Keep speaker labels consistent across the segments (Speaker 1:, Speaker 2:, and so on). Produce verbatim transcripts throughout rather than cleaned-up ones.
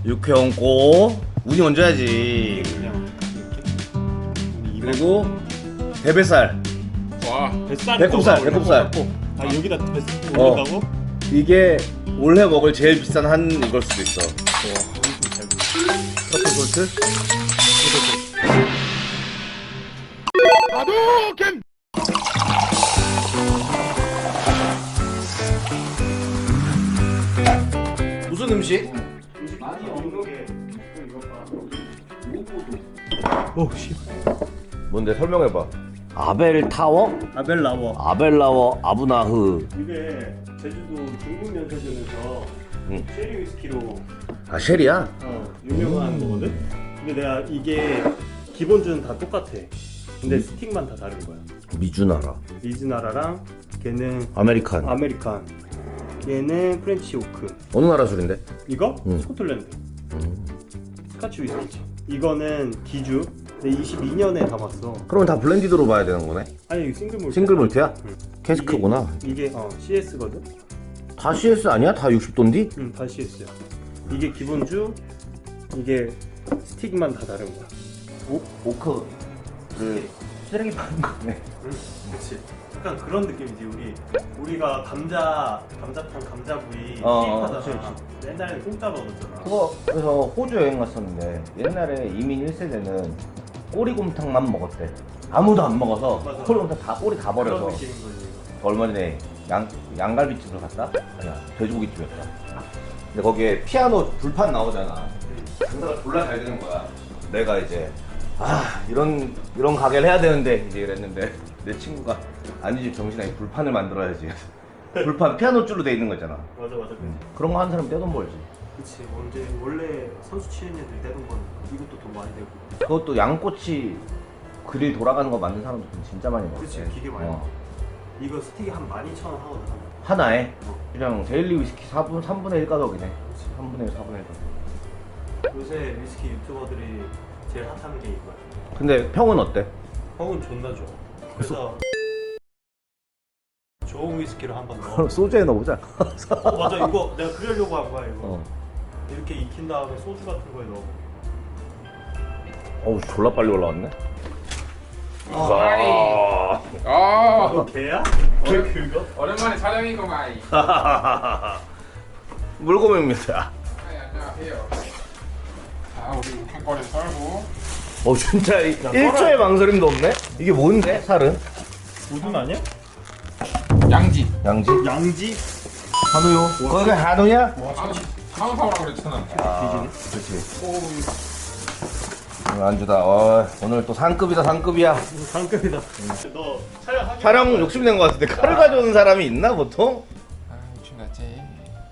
Speaker 1: 육회 얹고 우니 얹어야지.
Speaker 2: 그냥 이렇게.
Speaker 1: 그리고 대뱃살.
Speaker 3: 와.
Speaker 2: 뱃살.
Speaker 1: 배꼽살, 배꼽살.
Speaker 2: 아 여기다 뱃살
Speaker 1: 어.
Speaker 2: 올린다고?
Speaker 1: 이게 올해 먹을 제일 비싼 한 이걸 수도 있어. 트러플 솔트?
Speaker 3: 하도겐.
Speaker 1: 무슨 음식?
Speaker 2: 많이 없는 게 오 씨.
Speaker 1: 뭔데 설명해봐. 아벨 타워?
Speaker 2: 아벨 라워.
Speaker 1: 아벨라워 아부나흐.
Speaker 2: 이게 제주도 중국 면세점에서
Speaker 1: 응.
Speaker 2: 쉐리 위스키로
Speaker 1: 아 쉘이야?
Speaker 2: 어, 유명한 거거든. 근데 내가 이게 기본주는 다 똑같아. 근데
Speaker 1: 음.
Speaker 2: 스틱만 다 다른 거야.
Speaker 1: 미주나라.
Speaker 2: 리즈나라랑 걔는
Speaker 1: 아메리칸.
Speaker 2: 아메리칸. 얘는 프렌치 오크.
Speaker 1: 어느 나라 술인데?
Speaker 2: 이거
Speaker 1: 음.
Speaker 2: 스코틀랜드.
Speaker 1: 음.
Speaker 2: 스카치 위스키지. 이거는 기주. 근데 이십이 년에 담았어.
Speaker 1: 그러면 다 블렌디드로 봐야 되는 거네?
Speaker 2: 아니 이거 싱글 몰트.
Speaker 1: 싱글 몰트야?
Speaker 2: 응.
Speaker 1: 캐스크구나.
Speaker 2: 이게, 이게 어 씨에스거든.
Speaker 1: 다 씨에스 아니야? 다 육십 도인데?
Speaker 2: 응, 다 씨에스야. 이게 기본주. 이게 스틱만 다 다른 거야.
Speaker 1: 오, 오크 그 쓰레기 파는 거네.
Speaker 2: 응, 그렇지. 약간 그런 느낌이지. 우리 우리가 감자 감자탕 감자구이
Speaker 1: 어,
Speaker 2: 수입하잖아.
Speaker 1: 그치, 그치.
Speaker 2: 옛날에 공짜 먹었잖아.
Speaker 1: 그거 그래서 호주 여행 갔었는데 옛날에 이민 일 세대는 꼬리곰탕만 먹었대. 아무도 안 먹어서
Speaker 2: 맞아.
Speaker 1: 꼬리곰탕 다 꼬리 다
Speaker 2: 그런
Speaker 1: 버려서.
Speaker 2: 느낌인 거지.
Speaker 1: 얼마 전에 양 양갈비집을 갔다? 아니야 돼지고기집이었다. 근데 거기에 피아노 불판 나오잖아. 장사가 졸라 잘 되는 거야. 내가 이제 아 이런 이런 가게를 해야 되는데 이제 이랬는데 내 친구가 아니 집 정신아 이 불판을 만들어야지. 불판 피아노 줄로 돼 있는 거 있잖아.
Speaker 2: 맞아 맞아. 그치.
Speaker 1: 그런 거 하는 사람 떼돈 벌지.
Speaker 2: 그치. 언제 원래 선수 치는 애들 떼던 건 이것도 돈 많이 되고.
Speaker 1: 그것도 양꼬치 그릴 돌아가는 거 만든 사람도 돈 진짜 많이 벌지.
Speaker 2: 그치. 기계 많이.
Speaker 1: 어.
Speaker 2: 이거 스틱이 한 만 이천 원 하거든.
Speaker 1: 하나에
Speaker 2: 어.
Speaker 1: 그냥 데일리 위스키 사분 삼분의 일 가격이네.
Speaker 2: 그치.
Speaker 1: 삼분의 일, 사분의 일 가격.
Speaker 2: 요새 위스키 유튜버들이 제일 핫한 게 이거야.
Speaker 1: 근데 평은 어때?
Speaker 2: 형은 존나 좋아. 그래서 좋은 위스키를 한번 넣어.
Speaker 1: 소주에 넣어보자.
Speaker 2: 어, 맞아. 이거 내가 그러려고 한 거야. 이거
Speaker 1: 어.
Speaker 2: 이렇게 익힌 다음에 소주 같은 거에 넣어.
Speaker 1: 어우 졸라 빨리 올라왔네.
Speaker 3: 아.
Speaker 2: 이거 개야? 어, 그거?
Speaker 3: 오랜만에 촬영이고 마이.
Speaker 1: 물고기입니다.
Speaker 3: 안녕하세요. 자, 우리 한꺼번에 썰고.
Speaker 1: 어 진짜 일 초의 망설임도 없네. 이게 뭔데? 살은?
Speaker 2: 우둔 아니야?
Speaker 3: 양지.
Speaker 1: 양지?
Speaker 2: 양지?
Speaker 1: 한우요? 거기 한우야?
Speaker 3: 아, 상사오라고 그랬잖아.
Speaker 1: 아, 그렇지. 안주다. 어, 오늘 또 상급이다 상급이야.
Speaker 2: 상급이다. 너 촬영하기
Speaker 1: 촬영 욕심낸 것 같은데 칼을 가져오는 사람이 있나 보통?
Speaker 3: 아, 미친나지.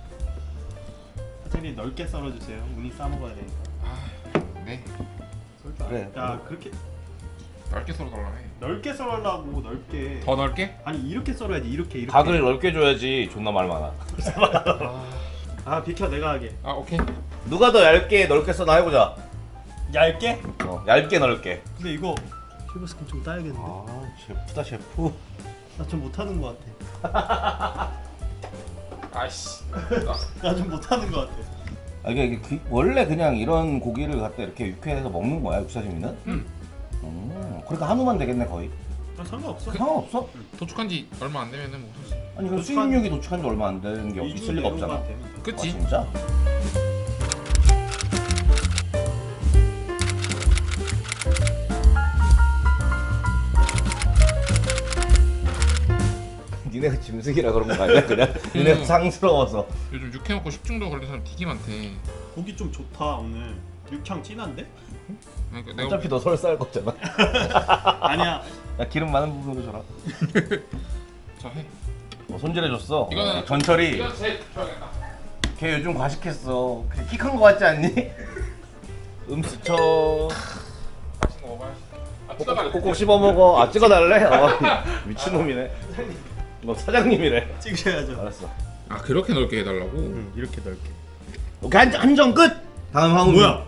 Speaker 2: 사장님 넓게 썰어주세요. 우니 싸 먹어야 되니까.
Speaker 3: 아, 네.
Speaker 1: 그래.
Speaker 2: 야 그렇게
Speaker 3: 넓게 썰어 달라 해.
Speaker 2: 넓게 썰으려고 넓게.
Speaker 3: 더 넓게?
Speaker 2: 아니 이렇게 썰어야지. 이렇게 이렇게.
Speaker 1: 각을 넓게 줘야지. 존나 말 많아.
Speaker 2: 아 비켜 내가 하게.
Speaker 3: 아, 오케이.
Speaker 1: 누가 더 얇게 넓게 써나 해보자.
Speaker 2: 얇게?
Speaker 1: 어, 얇게 넓게.
Speaker 2: 근데 이거 쉐브 스킨 좀 따야겠는데.
Speaker 1: 아 셰프다 셰프.
Speaker 2: 나 좀 못하는 것 같아.
Speaker 3: 아이씨.
Speaker 2: 나 좀 못하는 것 같아.
Speaker 1: 아 이게 그, 원래 그냥 이런 고기를 갖다 이렇게 육회해서 먹는 거야 육사시미는?
Speaker 3: 응.
Speaker 1: 음, 그러니까 한우만 되겠네 거의.
Speaker 2: 아, 상관없어.
Speaker 1: 상관없어?
Speaker 3: 도축한 지 얼마 안 되면은 뭐 사실.
Speaker 1: 아니 그
Speaker 2: 도축한-
Speaker 1: 수입육이 도축한 지 얼마 안 되는 게
Speaker 2: 이 주
Speaker 1: 있을 리가 없잖아.
Speaker 2: 내용만 되면 돼.
Speaker 1: 아
Speaker 3: 그치?
Speaker 1: 진짜? 니네가 짐승이라 그런 거 아니야 그냥? 니네가
Speaker 3: 음.
Speaker 1: 상스러워서.
Speaker 3: 요즘 육회 먹고 식중독 걸린 사람 되게 많대.
Speaker 2: 고기 좀 좋다 오늘. 육향 진한데?
Speaker 3: 그러니까 내가
Speaker 1: 어차피 너 설쌀 거잖아.
Speaker 2: 아니야.
Speaker 1: 야 기름 많은 부분으로 줘라.
Speaker 3: 저 해.
Speaker 1: 어, 손질해줬어.
Speaker 3: 이거는-
Speaker 1: 어, 전철이.
Speaker 3: 이거 제일 좋아하겠다.
Speaker 1: 걔 요즘 과식했어. 키 큰 거 같지 않니? 음수쳐.
Speaker 3: 맛있는 거 먹어야지. 아, 찍어달래.
Speaker 1: 꼭꼭 씹어 먹어. 아 찍어달래? 어, 미친놈이네. 너 사장님이래.
Speaker 2: 찍으셔야죠.
Speaker 1: 알았어.
Speaker 3: 아, 그렇게 넓게 해달라고?
Speaker 2: 응 이렇게 넓게.
Speaker 1: 오케이 한, 한정 끝. 다음 황우.
Speaker 2: 뭐야?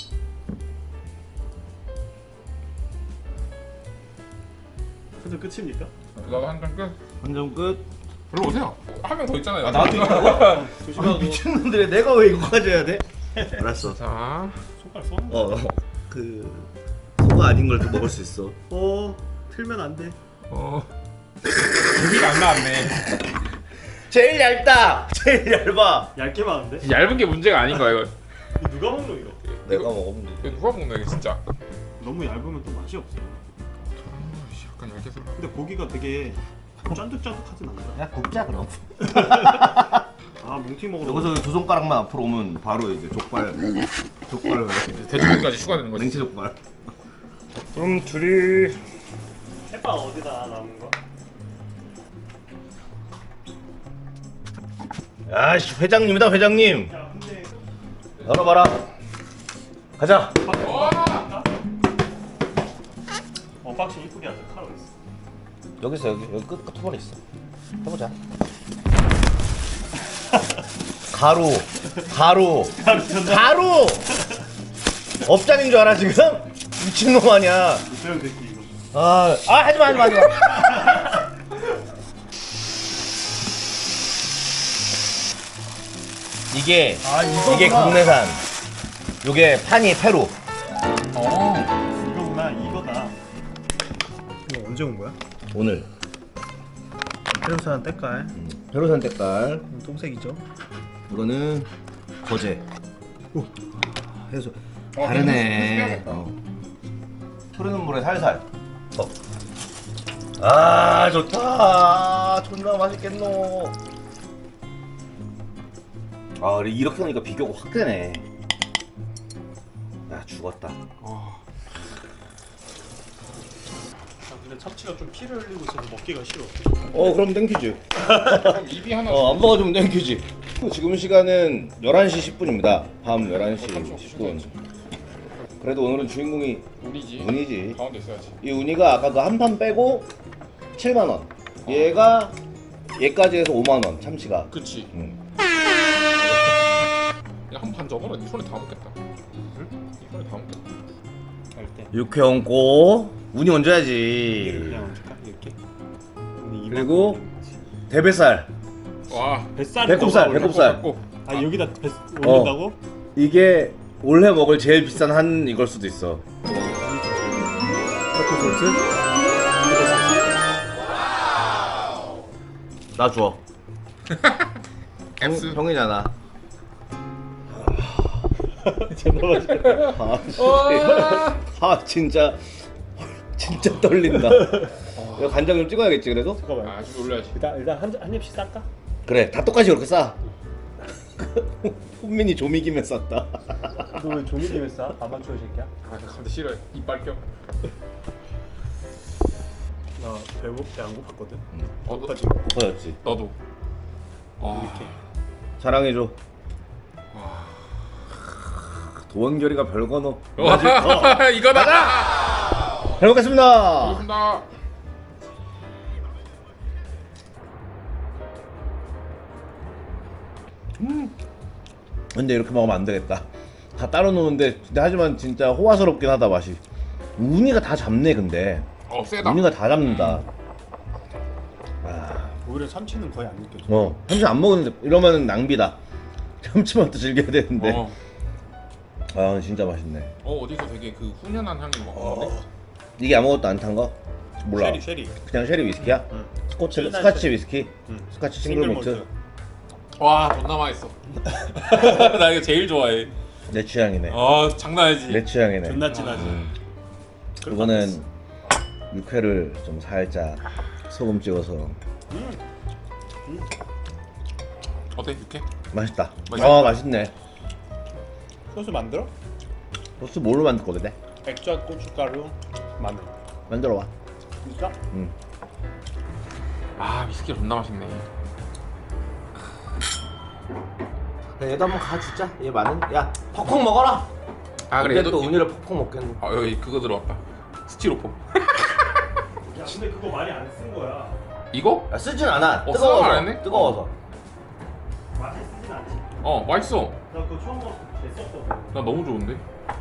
Speaker 2: 그래서 끝입니까?
Speaker 3: 나도 한 장 끝.
Speaker 1: 한정 끝.
Speaker 3: 일로 오세요. 한 명 더 있잖아요.
Speaker 1: 아 나도 있다고?
Speaker 2: 조심하고.
Speaker 1: 아, 미친놈들이 내가 왜 이거 가져야 돼? 알았어.
Speaker 3: 자,
Speaker 2: 손가락 쏘는 거.
Speaker 1: 어, 그 소가 아닌 걸 또 먹을 수 있어.
Speaker 2: 어 틀면 안 돼.
Speaker 3: 어. 고기가 안 나왔네.
Speaker 1: 제일 얇다. 제일 얇아.
Speaker 2: 얇게 많은데?
Speaker 3: 얇은 게 문제가 아닌 거야 이거.
Speaker 2: 이거 누가 먹노 이거?
Speaker 1: 내가 먹으면 돼.
Speaker 3: 이거 누가 먹나 이게 진짜.
Speaker 2: 너무 얇으면 또 맛이 없어.
Speaker 3: 아이씨, 약간 얇게 썰어.
Speaker 2: 근데 고기가 되게 쫀득쫀득하진 않아.
Speaker 1: 야 굽자 그럼.
Speaker 2: 아 뭉티 먹으러.
Speaker 1: 여기서 두 손가락만 앞으로 오면 바로 이제 족발. 족발
Speaker 3: 돼지고기까지 추가되는 거지.
Speaker 1: 냉채 족발.
Speaker 3: 그럼 둘이
Speaker 2: 해봐 어디다 남은 거?
Speaker 1: 아씨 회장님이다 회장님.
Speaker 2: 야 근데
Speaker 1: 열어봐라. 가자.
Speaker 2: 언박싱 이쁘게 하자. 칼 어디 있어?
Speaker 1: 여기 있어 여기 여기 끝 끝부분에 있어. 해보자. 가루 가루 가루 업장인 줄 알아 지금? 미친놈 아니야.
Speaker 2: 이태영 새끼 이거.
Speaker 1: 아, 아 하지마 하지마 하지마. 이게
Speaker 2: 아, 이거구나.
Speaker 1: 이게 국내산. 요게 판이 페루.
Speaker 3: 어.
Speaker 2: 이거구나 이거다. 이거 언제 온 거야?
Speaker 1: 오늘
Speaker 2: 페루산 때깔.
Speaker 1: 페루산 때깔.
Speaker 2: 똥색이죠.
Speaker 1: 이거는 거제.
Speaker 2: 오.
Speaker 1: 해서
Speaker 3: 어,
Speaker 1: 다르네. 어. 흐르는 물에 살살. 어. 아 좋다. 존나 맛있겠노. 아 그래 이렇게 하니까 비교가 확 되네. 야 죽었다.
Speaker 3: 어.
Speaker 2: 아, 근데 참치가 좀 피를 흘리고 있어서 먹기가 싫어.
Speaker 1: 어 그럼 땡큐지.
Speaker 3: 그럼 입이 하나.
Speaker 1: 어 안 먹어주면 땡큐지. 지금 시간은 열한 시 십 분입니다. 밤 열한 시 십 분. 그래도 오늘은 주인공이
Speaker 3: 운이지.
Speaker 1: 운이지.
Speaker 3: 가운데 있어야지.
Speaker 1: 이 운이가 아까 그 한 판 빼고 칠만 원. 얘가 얘까지 해서 오만 원 참치가.
Speaker 3: 그치.
Speaker 1: 응.
Speaker 3: 그냥 한 판 접어라. 네 손에 다 먹겠다. 응? 네 손에 다 먹겠다.
Speaker 2: 갈 때.
Speaker 1: 육회 얹고 운이
Speaker 2: 이렇게
Speaker 1: 얹어야지.
Speaker 2: 그냥 얹을까? 이렇게.
Speaker 1: 그리고 대뱃살.
Speaker 3: 와.
Speaker 2: 뱃살.
Speaker 1: 배꼽살, 배꼽살.
Speaker 3: 갖고.
Speaker 2: 아 여기다 뱃 올린다고?
Speaker 1: 이게 올해 먹을 제일 비싼 한 이걸 수도 있어.
Speaker 2: 타코 소스.
Speaker 1: 나 줘.
Speaker 3: 앱스.
Speaker 1: 형, 형이잖아.
Speaker 2: 존나 맛있겠다.
Speaker 1: 아, 씨.
Speaker 3: 와.
Speaker 1: 아 진짜 진짜 떨린다. 이거 간장 좀 찍어야겠지 그래도?
Speaker 2: 잠깐만.
Speaker 3: 아, 좀 올려야지.
Speaker 2: 일단 일단 한, 한 입씩 쌀까?
Speaker 1: 그래 다 똑같이 그렇게 싸. 훈민이 조미김에 쌌다.
Speaker 2: 너 왜 종이김에 싸? 아마추어 새끼야?
Speaker 3: 아, 근데 싫어. 이빨 껴.
Speaker 2: 나 배고 배안 고팠거든.
Speaker 3: 어, 너,
Speaker 2: 고파지.
Speaker 1: 고파졌지.
Speaker 3: 너도. 어.
Speaker 2: 이렇게.
Speaker 1: 자랑해줘. 도원결이가 별거 넣어.
Speaker 3: 와, 이거다.
Speaker 1: 잘 먹겠습니다.
Speaker 3: 고맙습니다.
Speaker 1: 근데 이렇게 먹으면 안 되겠다. 다 따로 노는데 근데 하지만 진짜 호화스럽긴 하다 맛이. 우니가 다 잡네 근데.
Speaker 3: 어, 세다.
Speaker 1: 우니가 다 잡는다. 아,
Speaker 2: 오히려 참치는 거의 안 느껴져.
Speaker 1: 어 참치 안 먹는데 이러면 낭비다. 참치만 또 즐겨야 되는데.
Speaker 3: 어.
Speaker 1: 아 진짜 맛있네.
Speaker 3: 어, 어디서 되게 그 훈연한 향이 먹었는데.
Speaker 1: 이게 아무것도 안 탄 거? 몰라.
Speaker 2: 쉐리 쉐리.
Speaker 1: 그냥 쉐리 위스키야?
Speaker 2: 응.
Speaker 1: 스코치
Speaker 2: 쉐리
Speaker 1: 스카치 위스키?
Speaker 2: 응.
Speaker 1: 스카치 싱글 몰트?
Speaker 3: 와, 존나 맛있어. 나 이거 제일 좋아해.
Speaker 1: 내 취향이네.
Speaker 3: 아, 장난 아니지.
Speaker 1: 내 취향이네.
Speaker 2: 존나 진하지.
Speaker 1: 이거는 육회를 좀 살짝 소금 찍어서
Speaker 2: 음.
Speaker 3: 어때, 이렇게?
Speaker 1: 맛있다.
Speaker 3: 맛있다.
Speaker 1: 아 맛있네.
Speaker 2: 소스 만들어?
Speaker 1: 소스 뭘로 만들 거거든?
Speaker 2: 액젓, 고춧가루, 마늘.
Speaker 1: 만들어 봐.
Speaker 2: 진짜?
Speaker 1: 응.
Speaker 3: 아, 위스키 존나 맛있네.
Speaker 1: 얘도 한번 가 주자. 얘 많은. 야 퍽퍽 먹어라.
Speaker 3: 아, 그래.
Speaker 1: 근데
Speaker 3: 얘도
Speaker 1: 또 운이를 퍽퍽 먹겠네.
Speaker 3: 아, 여기 그거 들어왔다. 스티로폼.
Speaker 2: 야 근데 그거 많이 안 쓴 거야.
Speaker 3: 이거?
Speaker 1: 야 쓰진 않아.
Speaker 3: 어,
Speaker 1: 뜨거워서.
Speaker 3: 쓰는 거 알았네?
Speaker 1: 뜨거워서.
Speaker 2: 맛이 쓰진 않지.
Speaker 3: 어, 맛있어.
Speaker 2: 나 그거 처음 먹었을 때 됐었거든.
Speaker 3: 나 너무 좋은데?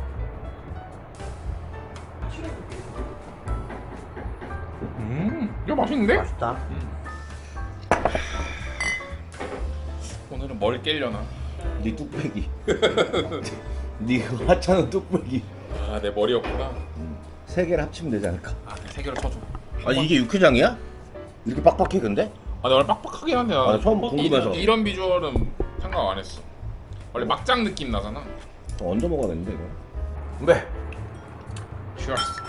Speaker 3: 음, 이거 맛있는데?
Speaker 1: 맛있다.
Speaker 3: 오늘은 뭘 깰려나?
Speaker 1: 네 뚝배기. 네 하찮은 뚝배기.
Speaker 3: 아 내 머리였구나.
Speaker 1: 세 개를 합치면 되지 않을까?
Speaker 3: 아세 개를 쳐줘.
Speaker 1: 아 이게 육회장이야? 이렇게 빡빡해 근데?
Speaker 3: 아 나 원래 빡빡하긴 한데 나
Speaker 1: 아, 처음 궁금해서.
Speaker 3: 이, 이런 비주얼은 생각 안 했어. 원래 막장 느낌 나잖아.
Speaker 1: 얹어 먹어야겠는데 이거. 네.
Speaker 3: Cheers.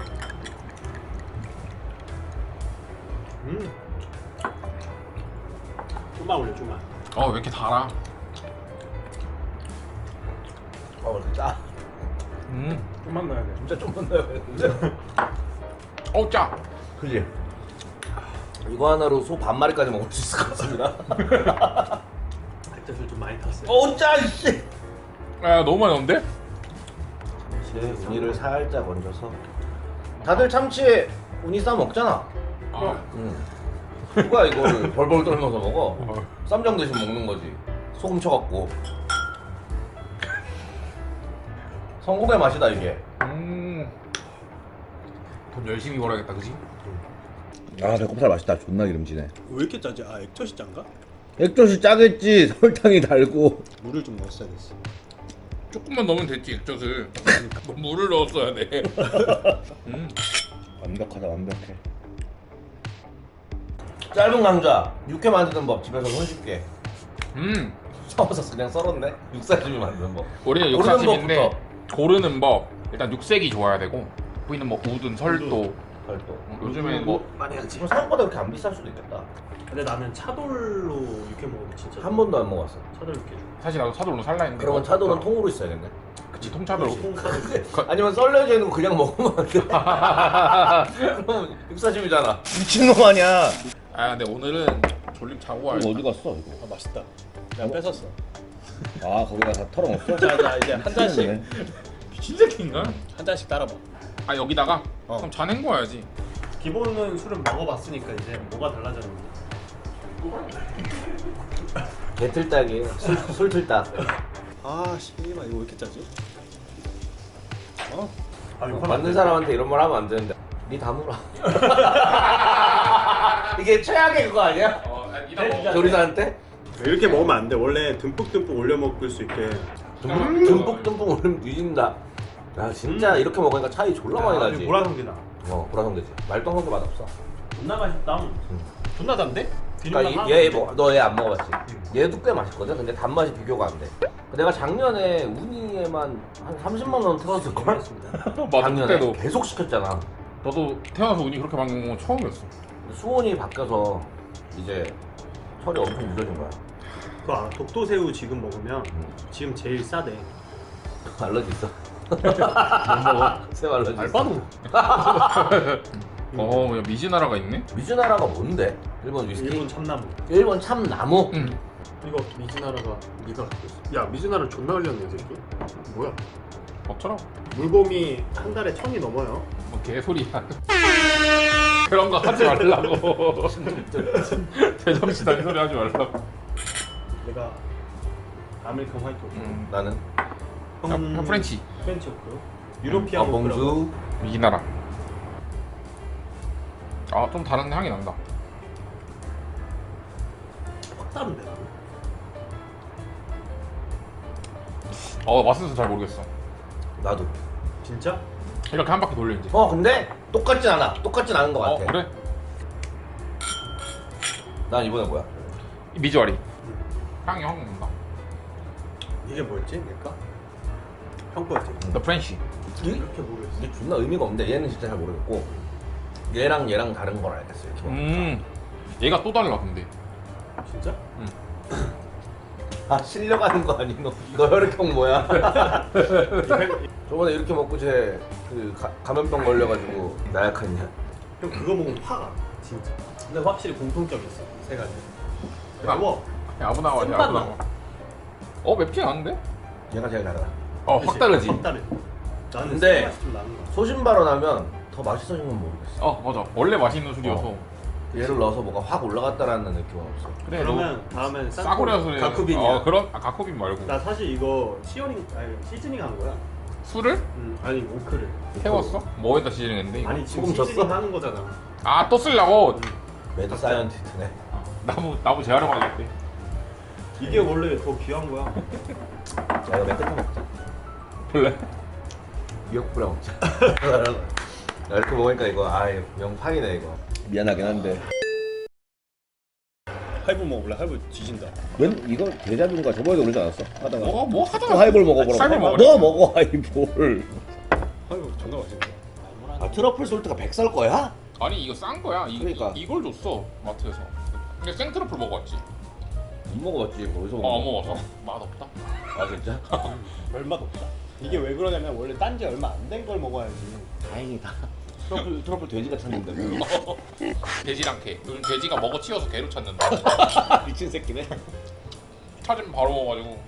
Speaker 2: 음. 좀만 올려 좀만.
Speaker 3: 어왜 이렇게 달아?
Speaker 1: 아 이렇게 짜.
Speaker 3: 음.
Speaker 2: 좀만 넣어야 돼.
Speaker 1: 진짜 좀만 넣어야겠는데?
Speaker 3: 어 짜.
Speaker 1: 그지? 이거 하나로 소 반마리까지 먹을 수 있을 것 같습니다.
Speaker 2: 액젓을 좀 많이 탔어요.
Speaker 1: 어, 짜 이씨.
Speaker 3: 아 너무 많이 넣는데?
Speaker 1: 참치 우니를 살짝 얹어서. 다들 참치에 우니 싸 먹잖아.
Speaker 3: 아.
Speaker 1: 응. 누가 이거를 벌벌 떨면서 먹어? 쌈장 대신 먹는 거지. 소금 쳐갖고. 성공의 맛이다 이게.
Speaker 3: 음. 돈 열심히 벌어야겠다, 그지?
Speaker 1: 아 배꼽살 맛있다. 존나 기름지네.
Speaker 2: 왜 이렇게 짜지? 아 액젓이 짠가?
Speaker 1: 액젓이 짜겠지. 설탕이 달고.
Speaker 2: 물을 좀 넣었어야 됐어.
Speaker 3: 조금만 넣으면 됐지 액젓을. 물을 넣었어야 돼. 음.
Speaker 1: 완벽하다 완벽해. 짧은 강좌 육회 만드는 법 집에서 손쉽게.
Speaker 3: 음.
Speaker 1: 썰어서 그냥 썰었네. 육사심이 만드는 법.
Speaker 3: 우리는
Speaker 1: 고르는
Speaker 3: 육사집인데
Speaker 1: 법부터.
Speaker 3: 고르는 법. 일단 육색이 좋아야 되고 부위는 뭐 우든 설도.
Speaker 1: 별도.
Speaker 3: 음, 요즘엔 뭐
Speaker 2: 많이 하지.
Speaker 1: 지금 생각보다 그렇게 안 비쌀 수도 있겠다.
Speaker 2: 근데 나는 차돌로 육회 먹으면 진짜
Speaker 1: 한 번도 안 먹었어.
Speaker 2: 차돌 육회.
Speaker 3: 사실 나도 차돌로 살라 했는데
Speaker 1: 그러면 차돌은 통으로 있어야겠네.
Speaker 3: 그치 통차돌로.
Speaker 1: 아니면 썰려져 있는 거 그냥 먹으면 안 돼. 그럼 육사심이잖아. 미친놈 아니야.
Speaker 3: 아 근데 오늘은 졸림 자고 와야
Speaker 1: 어디 갔어 이거?
Speaker 2: 아 맛있다. 내가 뺏었어.
Speaker 1: 아 거기다 다 털어먹었어?
Speaker 2: 자자 이제 한 잔씩
Speaker 3: 미친 새끼인가?
Speaker 2: 한 잔씩 따라봐.
Speaker 3: 아 여기다가?
Speaker 1: 어.
Speaker 3: 그럼 잔 헹궈야지.
Speaker 2: 기본은 술은 먹어봤으니까 이제 뭐가 달라졌는지.
Speaker 1: 개틀딱이에요. 술, 술틀딱.
Speaker 2: 아 씨발 이거 왜 이렇게 짜지? 어? 아
Speaker 1: 맞는 사람한테 이런 말 하면 안 되는데. 니 다물어. 이게 최악의 그거 아니야?
Speaker 3: 어,
Speaker 1: 네? 조리사한테?
Speaker 2: 이렇게 먹으면 안 돼. 원래 듬뿍듬뿍 올려 먹을 수 있게.
Speaker 1: 듬뿍 듬뿍 듬뿍 올리면 뒤진다. 야 진짜
Speaker 2: 음.
Speaker 1: 이렇게 먹으니까 차이 졸라 많이 나지.
Speaker 2: 보라성게다.
Speaker 1: 어 보라성되지. 말똥 성게 맛 없어.
Speaker 2: 존나 맛있다. 존나 단데?
Speaker 1: 그러니까 얘너 얘 안 먹어봤지? 얘도 꽤 맛있거든. 근데 단맛이 비교가 안 돼. 내가 작년에 우니에만 한 삼십만 원 틀었을 걸.
Speaker 3: 맞아
Speaker 1: 작년에
Speaker 3: 그때도.
Speaker 1: 계속 시켰잖아.
Speaker 3: 너도 태어나서 운이 그렇게 먹는 건 처음이었어.
Speaker 1: 수온이 바뀌어서 이제 철이 엄청 늦어진 거야.
Speaker 2: 그 알아? 독도새우 지금 먹으면
Speaker 1: 음.
Speaker 2: 지금 제일 싸대.
Speaker 1: 알러지 있어. 못 먹어. 새우 알러지. 있어.
Speaker 2: 알바노.
Speaker 3: 어, 야 미즈나라가 있네.
Speaker 1: 미즈나라가 뭔데? 일본 위스키?
Speaker 2: 일본 참나무.
Speaker 1: 일본 참나무?
Speaker 3: 응.
Speaker 2: 이거 미즈나라가 네가 갖고 있어. 야 미즈나라 존나 흘렸네 이 새끼. 뭐야?
Speaker 3: 어쩌라고?
Speaker 2: 물곰이 한 달에 천이 넘어요.
Speaker 3: 뭐 개소리야. 그런 거 하지 말라고. 제정신아닌 소리 하지 말라고.
Speaker 2: 내가 아메리칸 화이트 오크.
Speaker 3: 음.
Speaker 1: 나는
Speaker 3: 형, 형 프렌치.
Speaker 2: 프렌치 오크. 유로피안
Speaker 1: 아, 봉주.
Speaker 3: 미즈나라. 아, 좀 다른 향이 난다.
Speaker 2: 확 다른데 나는.
Speaker 3: 어, 맛은 잘 모르겠어.
Speaker 1: 나도.
Speaker 2: 진짜?
Speaker 3: 이렇게 한 바퀴 돌려 이제.
Speaker 1: 어 근데 똑같진 않아. 똑같진 않은 것 같아.
Speaker 3: 어, 그래?
Speaker 1: 난 이번에 뭐야?
Speaker 3: 이 미주알이. 향이 확 난다.
Speaker 2: 이게 뭐였지? 내가? 형 거였지?
Speaker 3: 더 프렌치.
Speaker 2: 이렇게 모르겠어.
Speaker 1: 이게 존나 의미가 없는데 얘는 진짜 잘 모르겠고 얘랑 얘랑 다른 걸 알겠어. 이렇게 보니까.
Speaker 3: 음. 얘가 또 달라 근데.
Speaker 2: 진짜?
Speaker 1: 아 실려가는 거 아니 너? 너 혈액형 뭐야? 저번에 이렇게 먹고 쟤그 감염병 걸려가지고 나약했냐?
Speaker 2: 형 그거 먹으면 화가 진짜. 근데 확실히 공통점이 있어. 세 가지. 매워.
Speaker 3: 야, 아무 나와,
Speaker 2: 쓴맛
Speaker 3: 아무 나와. 어, 맵지 않은데?
Speaker 1: 얘가 제일 달라.
Speaker 3: 어, 확 다르지.
Speaker 2: 확 다르. 나는
Speaker 1: 근데
Speaker 2: 쓴맛이 좀 나는 거야.
Speaker 1: 소신 발언하면 더 맛있어진 건 모르겠어.
Speaker 3: 어, 맞아. 원래 맛있는 술이어서.
Speaker 1: 어. 얘를 넣어서 뭐가 확 올라갔다라는 느낌은 없어.
Speaker 3: 그래,
Speaker 2: 그러면 다음엔
Speaker 3: 너 싸구려 소리.
Speaker 2: 가쿠빈이야.
Speaker 3: 어, 그런 아, 가쿠빈 말고.
Speaker 2: 나 사실 이거 시어링 아니 시즈닝 한 거야.
Speaker 3: 술을
Speaker 2: 음, 아니 오크를.
Speaker 3: 태웠어? 뭐에다 시즈닝했는데 이거?
Speaker 2: 아니 지금
Speaker 1: 소금
Speaker 2: 시즈닝
Speaker 1: 줬어?
Speaker 2: 하는 거잖아.
Speaker 3: 아, 또 쓰려고.
Speaker 1: 매드 사이언티스트네.
Speaker 3: 나무 나무 재활용하겠대.
Speaker 2: 이게 원래 더 귀한 거야.
Speaker 1: 자 이거 맨 끝에 먹자.
Speaker 3: 볼래?
Speaker 1: 미역국이랑 먹자. 야, 이렇게 먹으니까 이거 아 명판이네 이거. 미안하긴 한데.
Speaker 2: 하이볼 먹어볼래? 하이볼 뒤진다.
Speaker 1: 웬 이거 대자뷰인가 저번에도 그러지 않았어? 하다가
Speaker 3: 뭐가 뭐 하다가
Speaker 1: 또 하이볼 먹어보라고.
Speaker 3: 하이볼 먹으래.
Speaker 1: 너 먹어 하이볼.
Speaker 2: 하이볼 존나 맛있는데.
Speaker 1: 아 트러플 솔트가 백살 거야?
Speaker 3: 아니 이거 싼 거야. 이,
Speaker 1: 그러니까.
Speaker 3: 이, 이걸 줬어 마트에서. 근데 생트러플 먹어봤지?
Speaker 1: 안 먹어봤지. 어디서
Speaker 3: 어, 안 먹어서 맛 없다.
Speaker 1: 아 진짜?
Speaker 2: 얼마도 없다. 이게 왜 그러냐면 원래 딴지 얼마 안 된 걸 먹어야지.
Speaker 1: 다행이다. 트러플 트러플 돼지가 찾는데.
Speaker 3: 돼지랑 개. 요즘 돼지가 먹어 치워서 개로 찾는다.
Speaker 1: 미친 새끼네.
Speaker 3: 찾으면 바로 먹어가지고.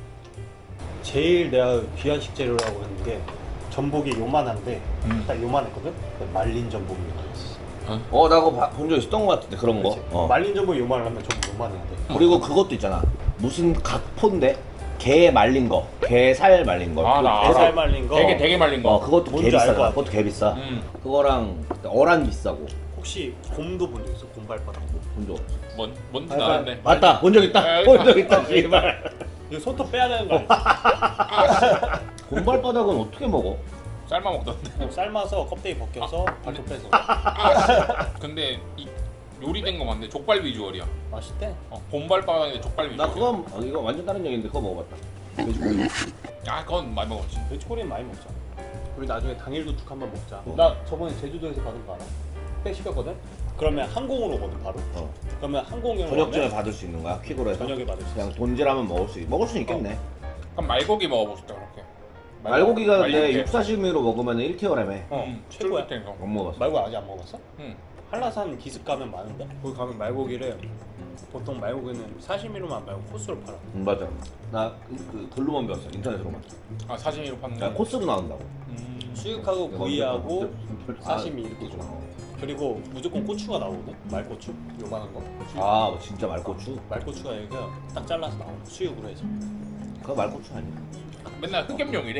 Speaker 2: 제일 내가 귀한 식재료라고 하는 게 전복이 요만한데
Speaker 3: 음.
Speaker 2: 딱 요만했거든? 말린 전복이 요만했어.
Speaker 1: 어 나 그거 본 적 있었던 것 같은데 그런 거.
Speaker 2: 그치?
Speaker 1: 어.
Speaker 2: 말린 전복이 요만하면 전복 요만해야 돼.
Speaker 1: 그리고 그것도 있잖아. 무슨 각포인데 게 말린 거, 게 살 말린 거.
Speaker 3: 아, 나
Speaker 1: 그거-
Speaker 2: 게살 말린 거
Speaker 3: 되게 되게 말린 거.
Speaker 1: 어 그것도 개
Speaker 2: 뭔지 알
Speaker 1: 비싸.
Speaker 2: 것 같아.
Speaker 1: 그것도 개 비싸.
Speaker 3: 음.
Speaker 1: 그거랑 어란 비싸고.
Speaker 2: 혹시 곰도 본 적 있어? 곰발바닥.
Speaker 1: 본 적 없어.
Speaker 3: 뭔 뭔지
Speaker 1: 아,
Speaker 3: 나는데.
Speaker 1: 맞다. 본 적
Speaker 3: 아,
Speaker 1: 있다.
Speaker 3: 있다.
Speaker 1: 본 적 있다. 씨발.
Speaker 2: 이거 손톱 빼야 되는 거 알지?
Speaker 1: 곰발바닥은 어떻게 먹어?
Speaker 3: 삶아 먹던데.
Speaker 2: 그냥 삶아서 껍데기 벗겨서 발톱 빼서.
Speaker 3: 근데 이 요리된 거 맞네. 족발 비주얼이야.
Speaker 2: 맛있대.
Speaker 3: 어, 곰발바닥인데 족발 비주얼.
Speaker 1: 나 그건 어, 이거 완전 다른 얘기인데 그거 먹어봤다. 돼지고기.
Speaker 3: 아 그건 많이 먹었지.
Speaker 2: 돼지꼬리는 많이 먹자. 우리 나중에 당일도축 한번 먹자.
Speaker 1: 어.
Speaker 2: 나 저번에 제주도에서 받은 거 알아? 회 시켰거든? 그러면 항공으로 오거든 바로.
Speaker 1: 어.
Speaker 2: 그러면 항공으로
Speaker 1: 저녁쯤에
Speaker 2: 오면
Speaker 1: 받을 수 있는 거야? 퀵으로 해서?
Speaker 2: 저녁에 받을 수
Speaker 1: 그냥
Speaker 2: 있어.
Speaker 1: 돈질하면 먹을 수 있... 먹을 수 있겠네.
Speaker 3: 그럼 말고기 먹어보고 싶다 그렇게.
Speaker 1: 말고기가 근데
Speaker 3: 말고기.
Speaker 1: 육사시미로 먹으면 일 개월이라며.
Speaker 2: 어,
Speaker 3: 음,
Speaker 2: 최고야.
Speaker 3: 쫄깃한 거.
Speaker 1: 못 먹었어.
Speaker 2: 말고 아직 안 먹었어?
Speaker 3: 응.
Speaker 2: 한라산 기슭 가면 많은데? 거기 가면 말고기를 보통 말고기는 사시미로만 말고 코스로 팔아.
Speaker 1: 응, 맞아. 나 그 글로만 배웠어. 인터넷으로만.
Speaker 3: 아 사시미로 파는
Speaker 1: 야,
Speaker 3: 거.
Speaker 1: 코스로 나온다고.
Speaker 3: 음.
Speaker 2: 수육하고 구이하고 사시미
Speaker 1: 아,
Speaker 2: 이렇게 줘. 그리고 무조건 고추가 나오거든? 말고추? 요만한 거.
Speaker 1: 아, 뭐 진짜 말고추?
Speaker 2: 말고추가 여기가 딱 잘라서 나오는 거, 수육으로 해서.
Speaker 1: 그거 말고추 아니야?
Speaker 3: 맨날 흑염룡이래.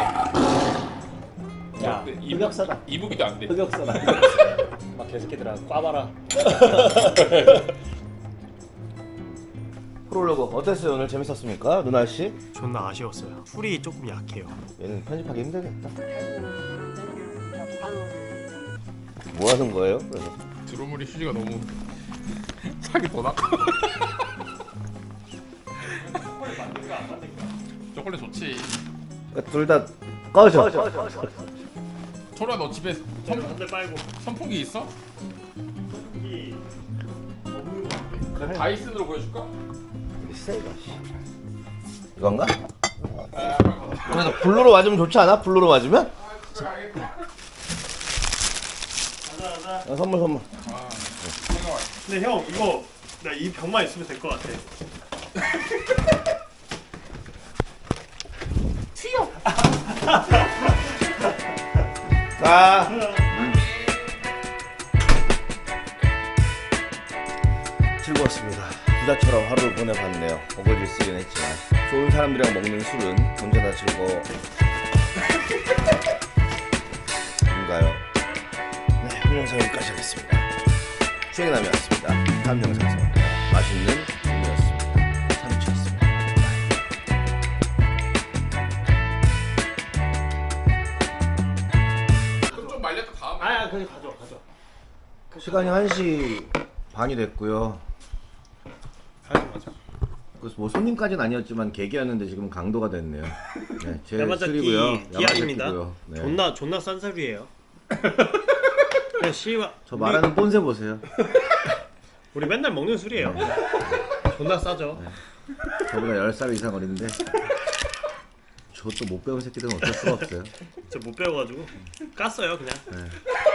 Speaker 2: 야,
Speaker 3: 근데 이북-
Speaker 1: 흑역사다.
Speaker 3: 이북이도 안 돼.
Speaker 1: 흑역사다.
Speaker 2: 막 개새끼들아 꽈봐라.
Speaker 1: 프롤로그 어땠어요? 오늘 재밌었습니까? 누나 씨?
Speaker 2: 존나 아쉬웠어요. 풀이 조금 약해요.
Speaker 1: 얘는 편집하기 힘들겠다. 뭐 하는 거예요? 그래서
Speaker 3: 드로머리 휴지가 너무 사기 더 나가. 초콜릿 좋지.
Speaker 1: 둘 다 꺼져.
Speaker 3: 초라 너 집에 선,
Speaker 2: 한대 빨고.
Speaker 3: 선풍기 있어?
Speaker 2: 이
Speaker 1: 그래.
Speaker 3: 다이슨으로 보여줄까?
Speaker 1: 세가 이건가?
Speaker 3: 아,
Speaker 1: 그래서 블루로 맞으면 좋지 않아? 블루로 맞으면?
Speaker 3: 알겠다.
Speaker 2: 가자 가자.
Speaker 1: 어, 선물 선물.
Speaker 3: 아, 생각해.
Speaker 2: 근데 형 이거 나 이 병만 있으면 될 것 같아.
Speaker 3: 튀어.
Speaker 1: 아. 즐거웠습니다. 부자처럼 하루를 보내봤네요. 어거질 쓰긴 했지만 좋은 사람들이랑 먹는 술은 언제나 즐거워. 뭔가요? 네, 오늘 영상 여기까지 하겠습니다. 수행남이었습니다. 다음 영상에서 만나요. 맛있는 음료였습니다. 삼치였습니다.
Speaker 3: 그럼 좀 말렸다 다음에.
Speaker 2: 아야 그냥 가져 가져.
Speaker 1: 시간이 한 시 반이 됐고요.
Speaker 2: 가져 가져.
Speaker 1: 그래서 뭐 손님까지는 아니었지만 계기였는데 지금 강도가 됐네요. 네, 제
Speaker 2: 야마자키
Speaker 1: 술이고요.
Speaker 2: 디아입니다.
Speaker 1: 야마자키고요. 네.
Speaker 2: 존나 존나 싼 술이에요. 그냥 씨와
Speaker 1: 저 말하는 본세 보세요.
Speaker 2: 우리 맨날 먹는 술이에요. 존나 싸죠.
Speaker 1: 저보다 열 살 이상 어린데 저 또 못 배운 새끼들은 어쩔 수가 없어요.
Speaker 2: 저 못 배워가지고 깠어요 그냥.
Speaker 1: 네.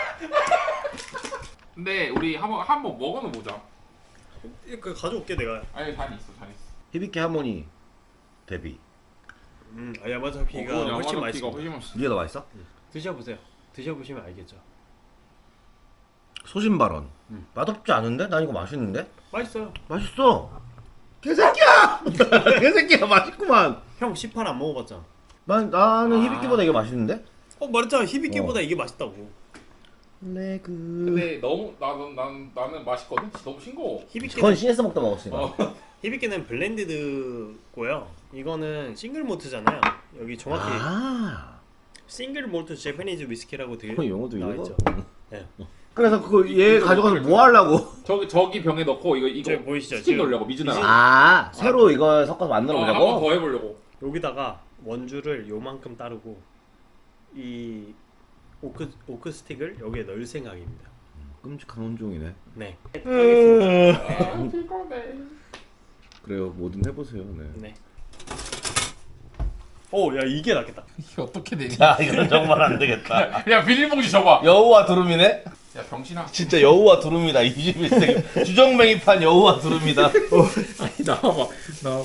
Speaker 3: 근데 우리 한번 한번 먹어는 보자.
Speaker 2: 그 가져올게 내가.
Speaker 3: 아니 잔 있어, 잔 있어.
Speaker 1: 히비키 하모니 데뷔.
Speaker 2: 음, 아, 야마자키가
Speaker 3: 어,
Speaker 2: 훨씬
Speaker 3: 야마자키가
Speaker 2: 맛있어.
Speaker 3: 훨씬 맛있어.
Speaker 1: 니가 더 맛있어?
Speaker 2: 드셔보세요. 드셔보시면 알겠죠.
Speaker 1: 소신 발언.
Speaker 2: 음.
Speaker 1: 맛없지 않은데? 난 이거 맛있는데?
Speaker 2: 맛있어요.
Speaker 1: 맛있어. 개새끼야! 개새끼야 맛있구만.
Speaker 2: 형 시판 안 먹어봤잖아.
Speaker 1: 난 나는
Speaker 3: 아.
Speaker 1: 히비키보다 이게 맛있는데?
Speaker 2: 어 말했잖아. 히비키보다
Speaker 1: 어.
Speaker 2: 이게 맛있다고.
Speaker 1: 레그.
Speaker 3: 근데 너무 나는 나는 나는 맛있거든. 너무 싱거워.
Speaker 2: 히비키.
Speaker 1: 그건 씨에스 먹다 먹었으니까.
Speaker 3: 어.
Speaker 2: 히비키는 블렌디드고요. 이거는 싱글 모트잖아요. 여기 정확히
Speaker 1: 아.
Speaker 2: 싱글 몰트 재패니즈 위스키라고 되게
Speaker 1: 어, 영어도
Speaker 2: 나와
Speaker 1: 읽어?
Speaker 2: 있죠. 네.
Speaker 1: 그래서 그거 얘 가져가서 뭐 하려고?
Speaker 3: 저기 저기 병에 넣고 이거 이거
Speaker 2: 저기 보이시죠?
Speaker 3: 스틱
Speaker 2: 지금
Speaker 3: 넣으려고 미즈나라.
Speaker 2: 미즈-
Speaker 1: 아, 새로 이거 섞어서 만들어
Speaker 3: 어,
Speaker 1: 보자고?
Speaker 3: 한번 더 해보려고.
Speaker 2: 여기다가 원주를 요만큼 따르고 이 오크 오크 스틱을 여기에 넣을 생각입니다.
Speaker 1: 끔찍한 혼종이네.
Speaker 2: 네.
Speaker 3: 아 피곤해.
Speaker 1: 그래요, 뭐든 해보세요. 네.
Speaker 2: 네. 오, 야 이게 낫겠다.
Speaker 3: 이게 어떻게 돼?
Speaker 1: 야, 이건 정말 안 되겠다.
Speaker 3: 야 비닐봉지 줘봐.
Speaker 1: 여우와 두루미네?
Speaker 3: 야 병신아.
Speaker 1: 진짜 여우와 두루미다. 이십일 세기 주정뱅이판 여우와 두루미다.
Speaker 3: 아니 나와봐 나와봐.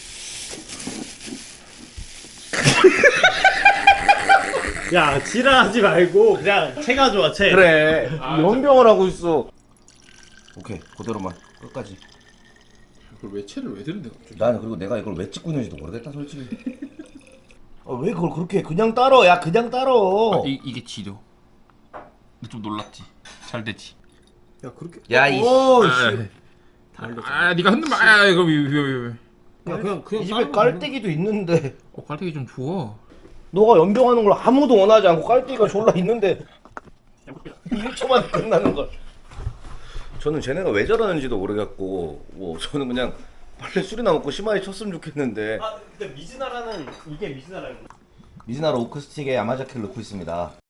Speaker 2: 야 지랄하지 말고 그냥 채 가져와 채.
Speaker 1: 그래.
Speaker 3: 아,
Speaker 1: 연병을 하고 있어. 오케이, 그대로만 끝까지.
Speaker 3: 그걸 왜 채를 왜 드는데 갑자기?
Speaker 1: 나는 그리고 내가 이걸 왜 찍고 있는지도 모르겠다, 솔직히. 아, 왜 그걸 그렇게 그냥 따러? 야, 그냥 따러.
Speaker 3: 이 이게 지려. 근데 좀 놀랐지. 잘 됐지.
Speaker 2: 야 그렇게.
Speaker 1: 야, 이
Speaker 2: 오,
Speaker 3: 아,
Speaker 2: 씨.
Speaker 3: 아, 네가 흔들면 아, 이거 왜, 왜, 왜, 왜.
Speaker 2: 야 그냥 그냥
Speaker 1: 이 집에 깔때기도 있는데
Speaker 3: 어, 깔때기 좀 줘.
Speaker 1: 너가 연병하는 걸 아무도 원하지 않고 깔때기가 졸라 있는데 일 초만 끝나는 걸. 저는 쟤네가 왜 저러는지도 모르겠고 뭐 저는 그냥 빨리 술이나 먹고 심하게 쳤으면 좋겠는데.
Speaker 2: 아 근데 미즈나라는 이게 미즈나라고.
Speaker 1: 미즈나루 오크스틱에 야마자키를 넣고 있습니다.